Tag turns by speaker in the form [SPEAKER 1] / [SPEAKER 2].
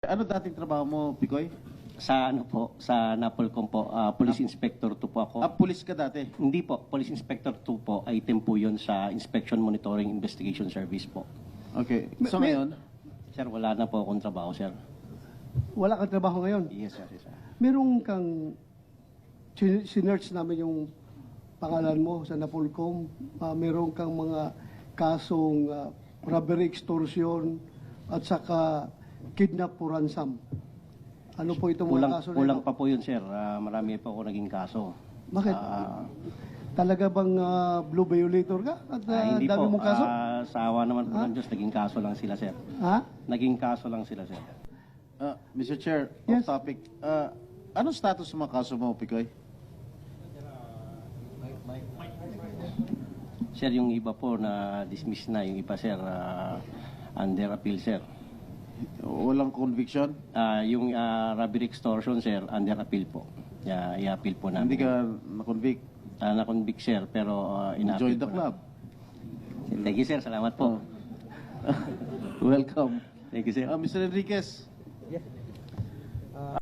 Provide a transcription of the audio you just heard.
[SPEAKER 1] ano dating trabaho mo, Picoy?
[SPEAKER 2] Sa ano po, sa Napolcom po, Police Inspector 2 po ako.
[SPEAKER 1] Pulis ka dati.
[SPEAKER 2] Hindi po, Police Inspector 2 po, item po yun sa Inspection Monitoring Investigation Service po.
[SPEAKER 1] Okay. So ngayon,
[SPEAKER 2] Sir, wala na po akong trabaho, sir.
[SPEAKER 3] Wala kang trabaho ngayon.
[SPEAKER 2] Yes, sir. Yes, sir.
[SPEAKER 3] Meron kang sinerch namin yung pangalan mo sa Napolcom. Meron kang mga kasong robbery, extortion, at saka kidnap for ransom. Ano po itong mga kaso na
[SPEAKER 2] Kulang
[SPEAKER 3] ito?
[SPEAKER 2] pa po yun, sir. Marami pa ako naging kaso.
[SPEAKER 3] Bakit? Talaga bang blue violator ka? At
[SPEAKER 2] Hindi
[SPEAKER 3] dami
[SPEAKER 2] po.
[SPEAKER 3] mong kaso?
[SPEAKER 2] Sa awa naman po ng Diyos, naging kaso lang sila, sir.
[SPEAKER 3] Ha?
[SPEAKER 2] Naging kaso lang sila, sir.
[SPEAKER 1] Mr. Chair,
[SPEAKER 3] Yes.
[SPEAKER 1] off topic. Anong status ng mga kaso mo, Picoy?
[SPEAKER 2] Sir, yung iba po na dismiss na, yung iba, sir, under appeal, sir.
[SPEAKER 1] Walang conviction?
[SPEAKER 2] Yung robbery extortion, sir, under appeal po. I-appeal po namin.
[SPEAKER 1] Hindi ka na-convict?
[SPEAKER 2] Na-convict, sir, pero
[SPEAKER 1] Join
[SPEAKER 2] ina-appeal
[SPEAKER 1] the
[SPEAKER 2] po
[SPEAKER 1] club.
[SPEAKER 2] namin. Thank you, sir. Salamat po.
[SPEAKER 1] Welcome.
[SPEAKER 2] Thank you, sir.
[SPEAKER 1] Mr. Enriquez,
[SPEAKER 4] Yes.